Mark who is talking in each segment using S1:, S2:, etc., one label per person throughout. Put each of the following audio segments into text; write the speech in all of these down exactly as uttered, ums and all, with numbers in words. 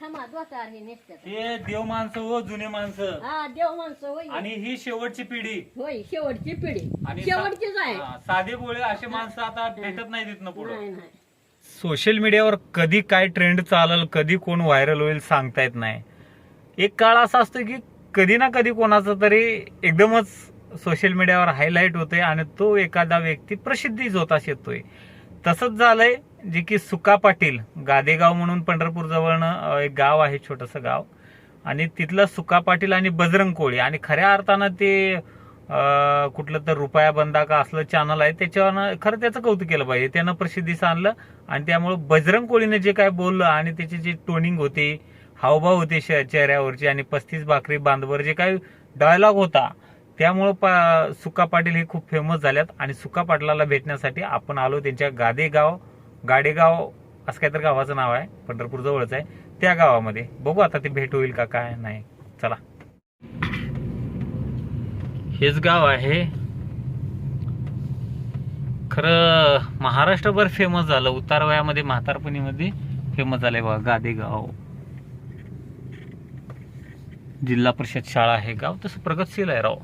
S1: थांबा दोतार हे नेसतात.
S2: हे देव माणसं हो, जुने माणसं.
S1: हा देव माणसं होय.
S2: आणि ही शेवटची पिढी
S1: होय शेवटची पिढी
S2: आणि
S1: शेवटचीच आहे.
S2: हा, साधे गोळे असे माणसं आता भेटत नाही तिथनं पुढे.
S1: नाही नाही
S2: सोशल मीडियावर कधी काय ट्रेंड चालेल, कधी कोण व्हायरल होईल सांगता येत नाही. एक काळ असा असतो की कधी ना कधी कोणाचं तरी एकदमच सोशल मीडियावर हायलाईट होते आणि तो एखादा व्यक्ती प्रसिद्धीच होता येतोय. तसंच झालंय जे की सुका पाटील गादेगाव म्हणून पंढरपूर जवळनं एक गाव आहे, छोटंसं गाव, आणि तिथलं सुका पाटील आणि बजरंग कोळी, आणि खऱ्या अर्थानं ते कुठलं तर रुपया बंदा का असलं चॅनल आहे त्याच्यावर खरं त्याचं कौतुक केलं पाहिजे. त्यानं प्रसिद्धीस आणलं आणि त्यामुळे बजरंग कोळीने जे काय बोललं आणि त्याची जी टोनिंग होती, हावभाव होते चेहऱ्यावरची, आणि पस्तीस भाकरी बांधवर जे काही डायलॉग होता, त्यामुळं पा सुका पाटील हे खूप फेमस झाल्यात. आणि सुका पाटलाला भेटण्यासाठी आपण आलो त्यांच्या गादेगाव गाडेगाव असं काहीतरी गावाचं नाव आहे, पंढरपूर जवळच आहे, त्या गावामध्ये. बघू आता ते भेट होईल का काय नाही. चला, हेच गाव आहे. खरं महाराष्ट्रभर फेमस झालं, उतार वयामध्ये म्हातारपणीमध्ये फेमस झालंय बघा गादेगाव. जिल्हा परिषद शाळा आहे गाव, तसं प्रगतशील आहे राव.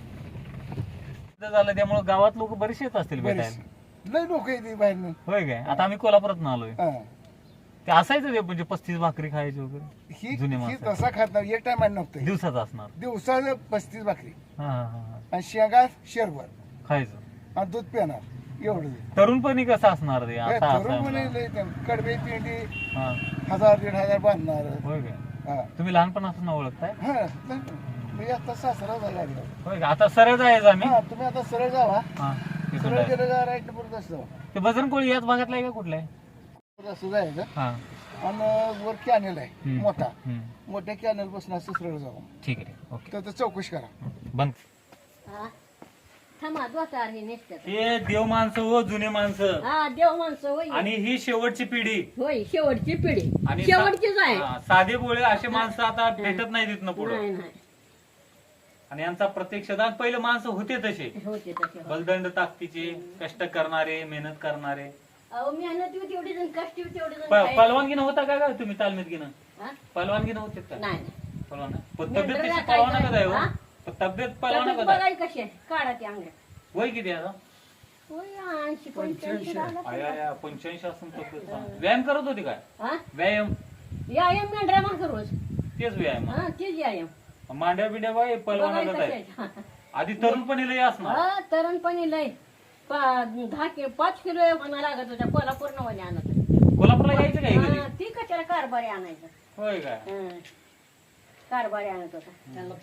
S2: झालं त्यामुळे गावात लोक बरेचसे येत असतील भेटायला.
S3: लय लोक येते बाहेर.
S2: होय काय? आता आम्ही कोल्हापुरात आलोय. ते असायचं ते म्हणजे पस्तीस भाकरी खायची वगैरे
S3: ही
S2: जुने
S3: ही
S2: माणसं.
S3: तसा खात नाही, एक टाइम नव्हतं.
S2: दिवसाचं असणार.
S3: दिवसाला पस्तीस भाकरी
S2: हा हा हा
S3: आणि शेंगा शेरभर
S2: खायचं
S3: आणि दूध पिणार एवढं.
S2: तरुणपणी कसं असणार ते आता असं
S3: तरुण
S2: आहे
S3: म्हणे
S2: मला.
S3: लय ते कडबे पिंडी
S2: हा.
S3: हजार दीड हजार बांधणार.
S2: होय काय?
S3: हा
S2: तुम्ही लहानपणापासून ओळखताय?
S3: हा मी आता सासरा झाला.
S2: होय का? आता सरळ जायचं आम्ही.
S3: हा तुम्ही आता सरळ जावा.
S2: हा, तिथून
S3: सरळ
S2: जायचं.
S3: गेलं का राईट परत असं
S2: ते बजरंग कोळी याच भागातला आहे का कुठला आहे?
S3: असं जायचं.
S2: हा.
S3: आणि वर कॅनल आहे
S2: हम्म.
S3: मोठा,
S2: हम्म.
S3: मोठ्या कॅनल बसून असं सरळ जावं.
S2: ठीक आहे, ओके.
S3: तर तर चौकशी करा.
S2: बंद.
S1: हा थांबा दोतार हे नेसतात.
S2: हे देव माणसं हो, जुने माणसं.
S1: हा देव माणसं होय.
S2: आणि ही शेवटची पिढी
S1: होय शेवटची पिढी
S2: आणि
S1: शेवटचीच आहे.
S2: हा, साधे गोळे असे माणसं आता भेटत नाही तिथनं पुढे.
S1: नाही नाही
S2: आणि यांचा प्रत्यक्षदान पहिलं माणसं होते तसे,
S1: होते तसे.
S2: बलदंड ताकदीचे, कष्ट करणारे, मेहनत करणारे.
S1: अहो मेहनत होती तेवढी जण कष्ट होती तेवढी जण
S2: प-
S1: खायची.
S2: पलवानगीनं होता का काय तुम्ही तालमीत घेणं?
S1: हा?
S2: पलवानगीनं होते का?
S1: नाही नाही
S2: पलवान पण
S1: मेंढरं
S2: तब्येत तशी
S1: राखायचं.
S2: पलवाना कदा आहे हो?
S1: हा?
S2: पण तब्येत पलवाना
S1: तब्येत
S2: कदा आहे?
S1: बघाय कशी आहे काढा ते अंगड्या.
S2: वय किती आहे आता?
S1: होय ऐंशी पंच्याऐंशी झालं
S2: आय,
S1: असेल.
S2: आय, आय, पंच्याऐंशी असून तब्येत चांगली. व्यायाम करत होती काय?
S1: हा?
S2: व्यायाम?
S1: व्यायाम मेंढरा मागं रोज.
S2: तेच व्यायाम.
S1: हा तेच व्यायाम
S2: मांड्या बिंड्या बाय पलवाना
S1: बघाय
S2: कदा
S1: कशी
S2: आहे?
S1: आहे.
S2: आधी तरुणपणी लय असणार.
S1: हा तरुणपणी लय पा- दहा कि पाच किलो म्हणा लागत होत्या कोल्हापूर नवाने आणत होते.
S2: कोल्हापूरला यायचं काय कधी?
S1: हा, ती कशाला कारभारी आणायचं.
S2: होय काय?
S1: हा. कारभारी आणत होता.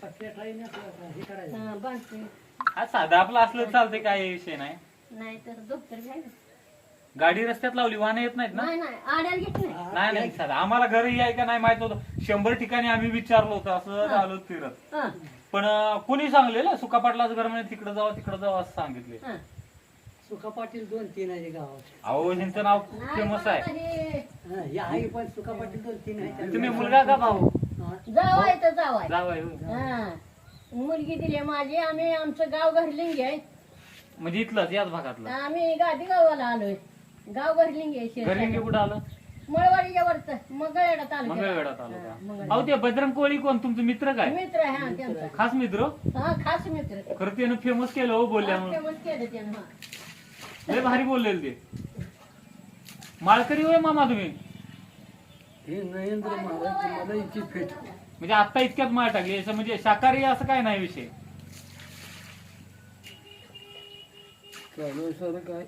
S1: हा, बांधते.
S2: हा साधं आपलं असलं चालतंय, काय विषय नाही.
S1: नाही तर डॉक्टर घ्यायचं.
S2: गाडी रस्त्यात लावली, वाहन येत नाहीत ना?
S1: नाही नाही आड्याला घेत नाही.
S2: नाही नाही साधं आम्हाला घरी याय का नाही माहित नव्हतं. शंभर ठिकाणी आम्ही विचारलो होतं, असं आलो फिरत.
S1: हा,
S2: पण अं, कोणी सांगलेलं सुका पाटलाचं घर म्हणजे तिकडे जावं तिकडे जावं असं सांगितले.
S1: हा.
S4: सुका पाटील दोन तीन आहे गावात.
S2: अहो ह्यांचं नाव
S1: नाही,
S2: फेमस
S1: पण
S2: आहे.
S1: आता हे
S4: हा, या आई पण सुका पाटील दोन तीन आहे.
S2: तुम्ही मुलगा का भाऊ?
S4: हा.
S1: जावाय तर जावाय.
S2: जावं होय.
S1: हा मुलगी दिली माझी. आम्ही आमचं गाव घरलिंगी आहे.
S2: म्हणजे इथलंच याच भागातलं.
S1: आम्ही गादी गावाला आलोय. गाव घरलिंगी आहे
S2: घरलिंगी
S1: शेत.
S2: कुठं आलं?
S1: मळवाडीच्या वरच मंगळवेढा तालुक्यात.
S2: मंगळवेढ्यात आलं
S1: हा,
S2: का?
S1: मंगळवेढा.
S2: अहो ते बजरंग कोळी कोण तुमचं मित्र काय?
S1: मित्र आहे हा त्यांचा.
S2: खास मित्र?
S1: हा खास मित्र.
S2: खरं त्यानं फेमस केलं हो बोलल्यामुळे.
S1: फेमस केलं त्यानं. हा.
S2: लय भारी बोललेलं ते. माळकरी होय मामा तुम्ही?
S4: हे नरेंद्र महाराज मला इथे फेट.
S2: म्हणजे आता इतक्यात माळ टाकली असं, म्हणजे शाकाहारी असं काय नाही विषय.
S4: चालू सर काय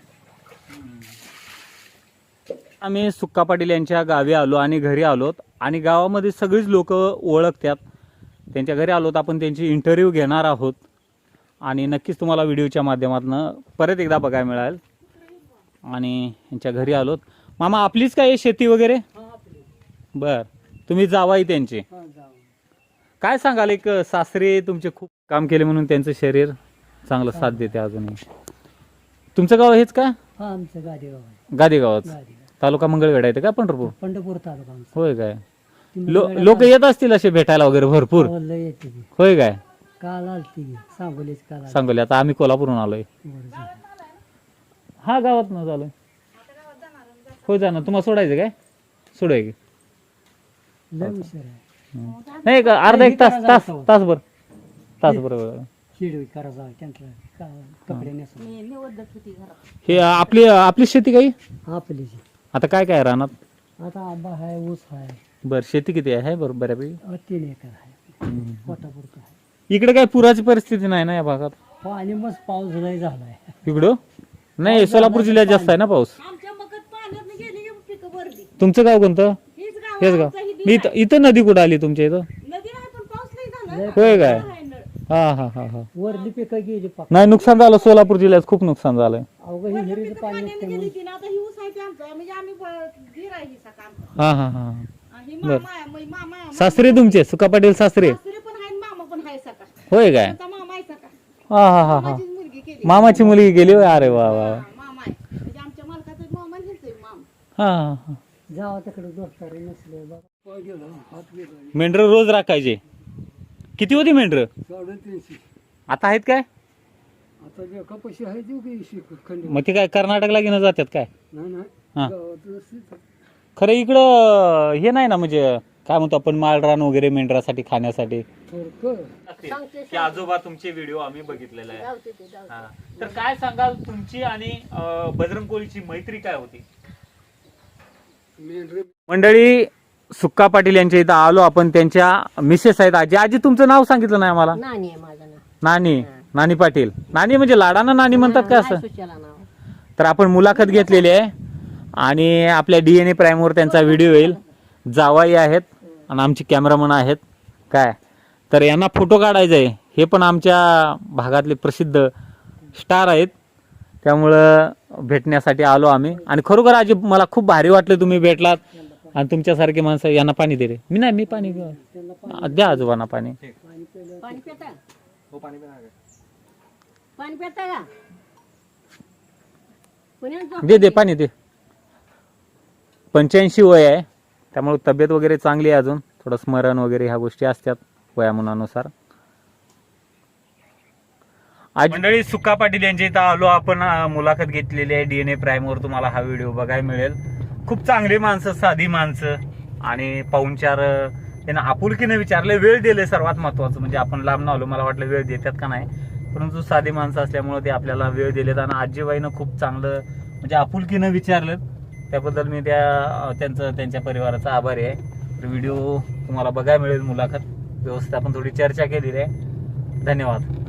S2: आम्ही सुक्का पाटील यांच्या गावी आलो आणि घरी आलोत, आणि गावामध्ये सगळीच लोक ओळखतात. त्यांच्या घरी आलोत, आपण त्यांची इंटरव्ह्यू घेणार आहोत आणि नक्कीच तुम्हाला व्हिडिओच्या माध्यमातून परत एकदा बघायला मिळेल. आणि यांच्या घरी आलोत. मामा आपलीच काय शेती वगैरे? बर, तुम्ही जावाई त्यांचे. काय सांगाल, एक सासरे तुमचे खूप काम केले म्हणून त्यांचं शरीर चांगलं साथ देते अजूनही. तुमचं गाव हेच का?
S4: हा आमचं गादेगाव आहे.
S2: गादेगावच.
S4: गादेगाव
S2: तालुका मंगळवेढा येते का पंढरपूर?
S4: पंढरपूर तालुका आमचा.
S2: होय काय?
S4: ती
S2: लो
S4: मंगळवेढा
S2: लोक येत असतील असे भेटायला वगैरे भरपूर?
S4: गावाला लय येते ती.
S2: होय काय?
S4: काल आलती सांगोलीच काल आलती.
S2: सांगोली. आता आम्ही कोल्हापूरहून आलोय.
S4: बरं झालं.
S2: हा गावात न झालोय. होय जाणार. तुम्हाला सोडायचं काय? सोडाय की
S4: लय हुशार आहे.
S2: नाही का अर्धा एक तास तास तासभर तासभर
S4: शिडवी करायचा त्यांना कपडे नेसा
S1: मी निवडत होती घरात.
S2: हे आपली आपली शेती काही
S4: आपली जी.
S2: आता काय काय राहणार
S4: आता आंबा आहे, ऊस आहे,
S2: बर शेती किती आहे बरोबर बऱ्यापैकी
S4: अ, तीन एकर आहे, पोटापुरतं आहे.
S2: इकडे काय पुराची परिस्थिती नाही ना या भागात
S4: पाणी मग पाऊस लय झालाय.
S2: इकडं नाही सोलापूर जिल्ह्यात जास्त आहे ना पाऊस.
S1: आमच्या मगत पाण्यात गेली की पिकं भरली.
S2: तुमचं गाव कोणतं
S1: हीच गाव
S2: हेच गाव
S1: आमचं ही
S2: मी इथं इथं नदी कुठं आली तुमच्या इथं
S1: नदी नाही पण पाऊस नाही झाला ना.
S2: होय काय
S1: आहे नळ.
S2: हा हा हा हा
S4: वरली पिकं गेली पाक.
S2: नाही नुकसान झालं सोलापूर जिल्ह्यात खूप नुकसान झालंय.
S4: अवघं ही हिरीचं पाणी
S1: पाण्याने
S4: असते
S1: गेली ती ना आता ही ऊस आहे ते आमचं म्हणजे आम्ही ब- धीर आहे ही सका आमचं.
S2: हा हा हा
S1: आणि मामा आहे, मै- मामा आहे.
S2: सासरे तुमचे सुका पाटील सासरे
S1: सासरे पण आहे आणि मामा पण आहे सका.
S2: होय काय
S1: आमचा मामा आहे सका.
S2: हा हा हा हा
S1: माझीच मुलगी केली.
S2: मामाची मुलगी गेली होय अरे वा वा
S1: हा, मामा आहे म्हणजे आमच्या मालकाचा मामा आणि ह्यांचा एक मामा.
S2: हा हा हा
S4: जावा तिकडे दोस्तारी नसले बघा. पाय गेला, हात गेला.
S2: मेंढर रोज राखायचे किती होती मेंढर
S4: साडेतीनशे.
S2: आता आहेत काय
S4: आता जे कपाशी आहे ती की शिक- खंड
S2: मग ते काय कर्नाटकला घेणं जातात काय
S4: नाही नाही
S2: हा.
S4: गावात असते.
S2: खरं इकडं हे नाही ना म्हणजे काय म्हणतो आपण माळरान वगैरे मेंढरासाठी खाण्यासाठी
S4: फरक
S1: सांगते
S2: आजोबा तुमचे व्हिडिओ आम्ही बघितलेले आहे
S1: जाऊते ते जाऊते.
S2: हा. तर काय सांगाल तुमची आणि अं, बजरंग कोळीची मैत्री काय होती
S4: मेंढरे
S2: मंडळी सुक्का पाटील यांच्या इथं आलो आपण त्यांच्या मिसेस आहेत आजी आजी तुमचं नाव सांगितलं नाही आम्हाला
S1: नानी आहे माझं नाव.
S2: नानी नानी पाटील नानी म्हणजे लाडाना नानी म्हणतात का असं
S1: नाही सुचेला नाव.
S2: तर आपण मुलाखत घेतलेली आहे आणि आपल्या डीएनए प्राईमवर त्यांचा व्हिडिओ येईल जावाई आहेत आणि आमचे कॅमेरामन आहेत काय तर यांना फोटो काढायचा आहे हे पण आमच्या भागातले प्रसिद्ध स्टार आहेत त्यामुळं भेटण्यासाठी आलो आम्ही आणि खरोखर आजी मला खूप भारी वाटलं तुम्ही भेटलात आणि तुमच्यासारखे माणसं यांना पाणी दे रे मी नाही मी पाणी द्या आजोबांना पाणी
S1: पाणी पिता पाणी पिता का पुण्यात झोप
S2: दे दे पाणी दे पंच्याऐंशी वय आहे त्यामुळे तब्येत वगैरे चांगली आहे अजून थोडं स्मरण वगैरे ह्या गोष्टी असतात वयामानानुसार आज मंडळी सुक्का पाटील यांच्या इथं आलो आपण अं, मुलाखत घेतलेली आहे डीएनए प्राईमवर तुम्हाला हा व्हिडिओ बघायला मिळेल खूप चांगली माणसं साधी माणसं आणि पाहुणचार अं, त्यांना आपुलकीने विचारले वेळ दिले सर्वात महत्वाचं म्हणजे आपण लांब न आलो मला वाटलं वेळ देतात का नाही परंतु साधी माणसं असल्यामुळे ते आपल्याला वेळ दिलेत आणि आजीबाईनं खूप चांगलं म्हणजे आपुलकीनं विचारलं त्याबद्दल मी त्या त्यांचं त्यांच्या परिवाराचा आभारी आहे तर व्हिडिओ तुम्हाला बघायला मिळेल मुलाखत व्यवस्थित आपण थोडी चर्चा केलेली आहे धन्यवाद.